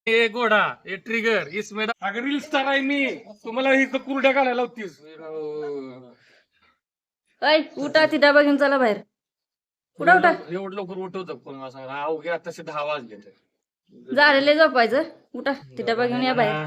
ए घोडा ए ट्रिगर इसमें अगर रील स्टार आहे मी तुम्हाला ही कुरड्या घालायला होतीस. ऐ उठा ती डबा घेऊन चला बाहेर. उठा उठा. एवढं लवकर उठवतं पण मला सांगा अवघ्या तसे 10 वाजले तर. झालेले झोपायचं. उठा ती डबा घेऊन या बाहेर.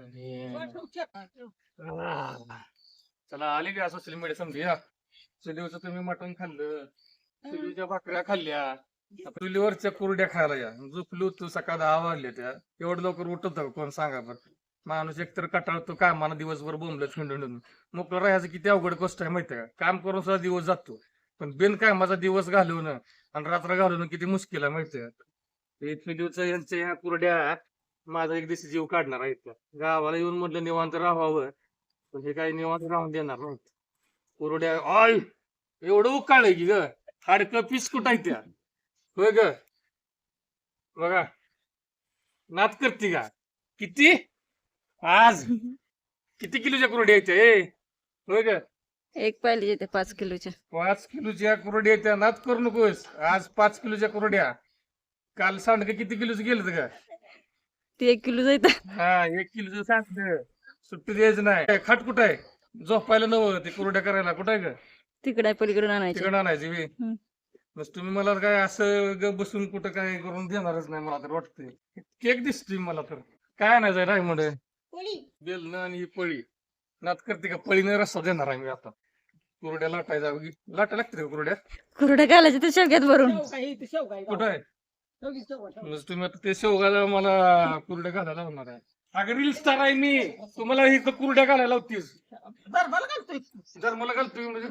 चला आले का सोशल मीडिया समजूया. चुलीवरचं तुम्ही मटण खाल्लं, चुलीच्या भाकऱ्या खाल्ल्या, चुलीवरच्या कुरड्या खायला या. झोपलो तू सकाळ 10 वाजले त्या. एवढं लवकर उठवतं का कोण सांगा बरं. माणूस एकतर कटाळतो कामाला दिवसभर बोंबलत खंडून. मोकळं राहायचं किती अवघड गोष्ट आहे माहितीये का. काम करून सुद्धा दिवस जातो पण बिनकामाचा दिवस घालवणं आणि रात्र घालवणं किती मुश्किल आहे माहितीये का. हे चुलीवरचं यांच्या ह्या कुरड्या माझा एक दिवशी जीव काढणार आहेत त्या. गावाला येऊन म्हटलं निवांत राहावं पण हे काही निवांत राहून देणार नाही. कुरड्या आय एवढं उकाळलंय की ग हाडकं पीस कुठाय त्या. होय ग बघा नात करते का किती आज किती किलोच्या कुरड्या येत्या ए. होय ग एक पाहिजे ते 5 किलोच्या. 5 किलोच्या कुरड्या येत्या. नात करू नकोस. आज 5 किलोच्या कुरड्या. काल सांडग किती किलोच गेलं का. ती 1 किलो जायत. हा 1 किलोचं सांडग सुट्टी द्यायचं नाही. खाट कुठं आहे झोपायला नव ते कुरड्या करायला कुठं आहे ग. तिकडे पलीकडून आणायची. तिकडं आणायची बी. बस तुम्ही मला काय असं ग बसून कुठं काय करून देणारच नाही मला तर वाटतंय. केक दिसतोय मला तर काय आणायचंय रायमंड बेलन आणि ही पळी. नात करते का पळीने रस्ता देणार आहे मी आता. कुरड्या लाटायचा लाटा लागते का कुरड्या. कुरड्या घालायचे ते शेवग्यात भरून. कुठं आहे म्हणजे तुम्ही आता ते शेवगाला मला कुरड्या घालायला होणार आहे. अगं रील स्टार आहे मी तुम्हाला ही कुरड्या घालायला होतीस. जर मला घालतोय म्हणजे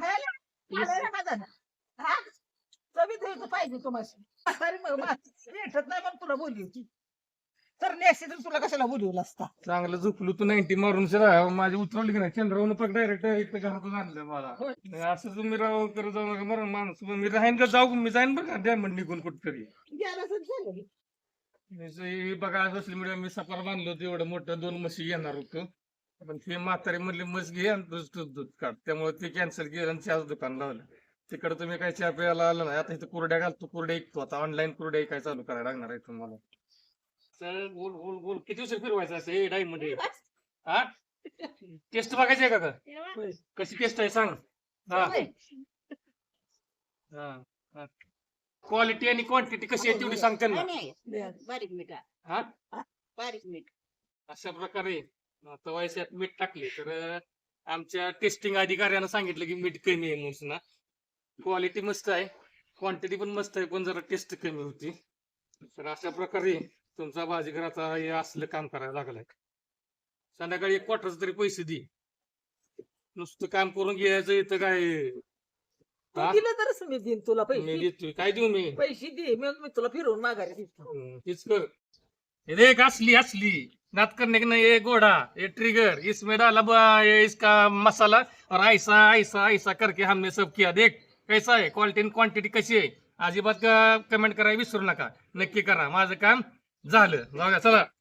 पाहिजे तुम्हाला भेटत नाही पण तुला बोलली होती तर नेसते तर तुला कशाला बोलवलं असता. चांगलं झोपलो तू 90 मारून शिरा माझी उतरवली की नाही चंद्रावरून पग डायरेक्ट इथं घरातून आणलं मला. असं तुम्ही राव करत जाऊ नका मरण माणूस. मी राहीन का जाऊ मी जाईन बरं का डायमंड निघून कुठतरी. बघा सोशल मीडिया मी सफर बांधलो होतो एवढं मोठं 2 म्हशी येणार होतो पण ते म्हातारी म्हणले म्हस घे आणि दूध काढ त्यामुळे ते कॅन्सल केलं आणि चहाच दुकान लावलं. तिकडे तुम्ही काय चहा प्यायला आलं नाही. आता इथं कुरड्या घालतो कुरड्या ऐकतो आता ऑनलाईन कुरड्या काय चालू करायला लागणार आहे तुम्हाला. चल गोल गोल गोल किती दिवस फिरवायचं असं हे डाईम मध्ये. हा टेस्ट बघायची आहे का कशी टेस्ट आहे सांग. हा हा क्वालिटी आणि क्वांटिटी कशी आहे तेवढी सांग त्यांना. बारीक मीठ हा बारीक मीठ अशा प्रकारे तवायच्यात मीठ टाकले तर आमच्या टेस्टिंग अधिकाऱ्यानं सांगितलं की मीठ कमी आहे म्हणून. क्वालिटी मस्त आहे क्वांटिटी पण मस्त आहे पण जरा टेस्ट कमी होती. तर अशा प्रकारे तुमचा भाजीघराचा हे असलं काम करायला लागलाय. संध्याकाळी 1 क्वार्टरच तरी पैसे दे. नुसतं काम करून घ्यायचं इथं काय. दिलं तरच मी देईन तुला मी पैसे. देतोय काय देऊ मी. पैसे दे मग मी तुला फिरवून माघारी देतो. तीच कर. हे देख असली असली नात करने के नहीं ये घोड़ा ये ट्रिगर इसमें डाला ये इसका मसाला और ऐसा ऐसा ऐसा करके हमने सब किया. देख कैसा आहे क्वालिटी आणि क्वांटिटी कशी आहे. अजिबात कमेंट करायला विसरू नका. नक्की करा माझं काम झालं. जाऊया चला.